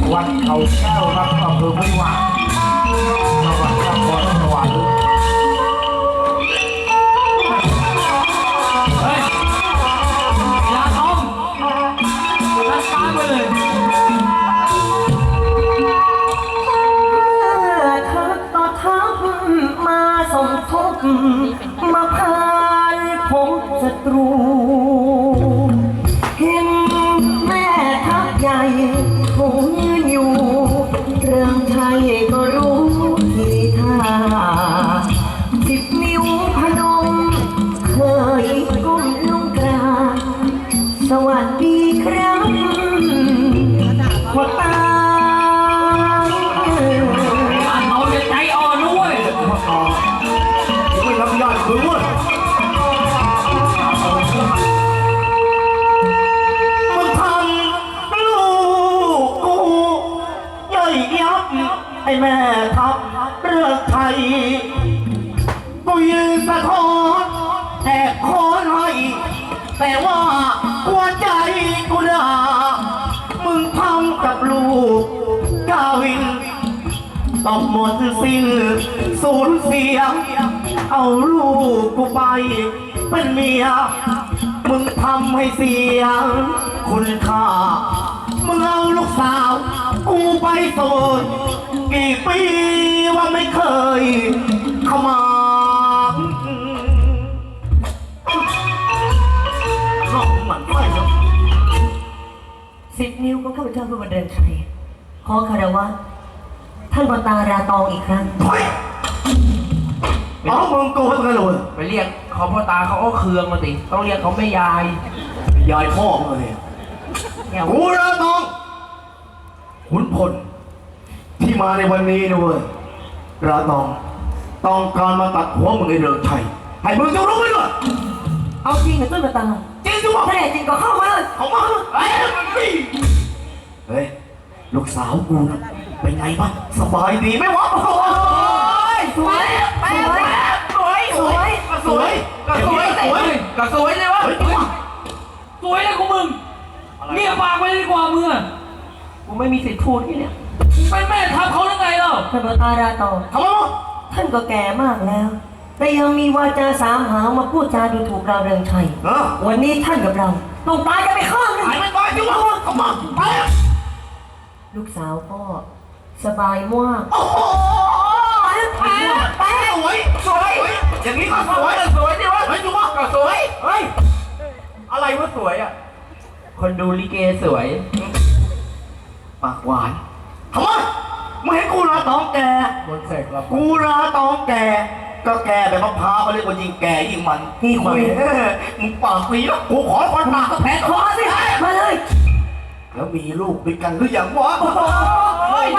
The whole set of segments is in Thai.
วัดเขาแก้วครับอำเภอพิวาจังหวัดนครสวรรค์เฮ้ยยาทองรัดฟ้าไปเลยทักต่อทักมาสมทบมาพานผมศัตรูเห็นแม่ทัพใหญ่คงยืนอยู่เรื่องไทยก็รู้ทีท่า10 นิ้วพนมเคยก้มลงกราบสวัสดีครับพ่อตาเอาใจอ่อนด้วยไม่รับญาติคือว่ามึงทำลูกกูย่อยยับไอ้แม่ทัพเรื่องไทยกูยืนสะท้อนแหกโค้งให้แต่ว่าหัวใจกูด่ามึงทำกับลูกกาวินต้องหมดสิ้นสูญเสียเอาลูกกูไปเป็นเมียมึงทำให้เสียคุณค่ามึงเอาลูกสาวกูไปโสดกี่ปีว่าไม่เคยเข้ามาน้องหมันไส้ครับ 10 นิ้วของข้าพเจ้าเพื่อมาเดินชัยขอคารวะท่านบตาราตองอีกครั้งอ๋อมึงโกหกกันเลยไปเรียกเขาพ่อตาเขาก็เคืองมาสิต้องเรียกเขาไม่ยายยายพ่อมึงเลยกูราตองขุนพลที่มาในวันนี้นะเว้ยราตองต้องการมาตัดหัวมึงไอ้เริงชัยให้มึงจะรู้ไว้ด้วยเอาจริงเหรอท่านบตาจริงจังวะถ้าแน่จริงก็เข้ามาเลยเข้ามาเฮ้ยลูกสาวกูนะเป็นไงบ้างสบายดีไหมวะโอ้ยสวยสวยสวยสวยสวยก็สวยเลยวะสวยเลยกูมึงเงียบปากไปดีกว่ามึงอะกูไม่มีสิทธิ์พูดที่เนี่ยเป็นแม่ทัพเขาหรือไงเล่าท่านบตาราตองทำไมวะท่านก็แก่มากแล้วแต่ยังมีวาจาสามหาวมาพูดจาดูถูกเราเริงชัยวันนี้ท่านกับเราต้องตายกันไปข้างนึงตายไม่ตายจังวะเข้ามาไปลูกสาวก็สบายมากโอ้โหไปสวยอย่างนี้ก็สวยดิวะเฮ้ยจุ๊บก็สวยเฮ้ยอะไรวะสวยอ่ะคนดูลิเกสวยปากหวานทำไมมึงเห็นกูราตองแกคนเสกแล้วกูราตองแกก็แกแบบมะพร้าวเขาเรียกว่ายิงแกยิงมันนี่คุยมึงปากปีแล้วกูขอคนปากก็แพ้คอสิมาเลยแล้วมีลูกด้วยกันหรือยังวะสวย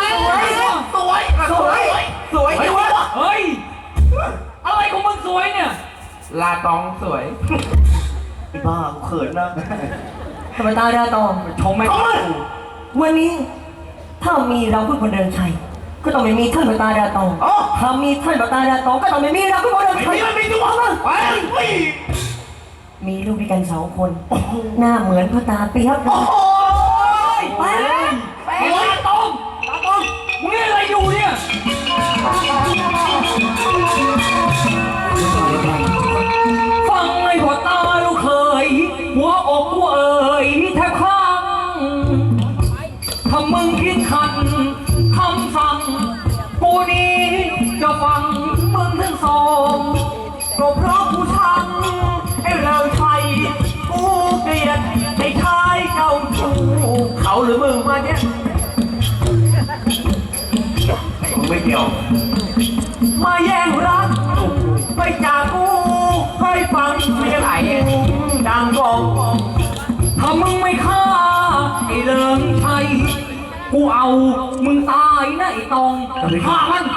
ดิวะเฮ้ยอะไรของมึงสวยเนี่ยลาตองสวยไอ้บ้ากูเขินนะธรรมดาราตองชมไม่ถูกวันนี้ถ้ามีเราพูดคนเดินชัยก็ต้องไม่มีท่านบตาราตองถ้ามีท่านบตาราตองก็ต้องไม่มีเราพูดคนเดินชัยไม่มีตัวมั้งมีลูกด้วยกัน2 คนหน้าเหมือนพ่อตาเปียกไปตาตองมึงอะไรอยู่เนี่ยฟังไอ้พ่อตาลูกเคยหัวอกกูเอ่ยแทบข้างถ้ามึงคิดขัดคำสั่งกูนี้จะฟังมึงทั้งสองก็เพราะกูชังไอ้เริงชัยกูเกลียดไอ้ชายเจ้าชู้เขาหรือมึงมาเนี่ยมึงไม่เกี่ยวมาแย่งรักไปจากกูให้ฟังเสียงดังกองถ้ามึงไม่ฆ่าไอ้เริงชัยกูเอามึงตายนะไอ้ตองฆ่ามัน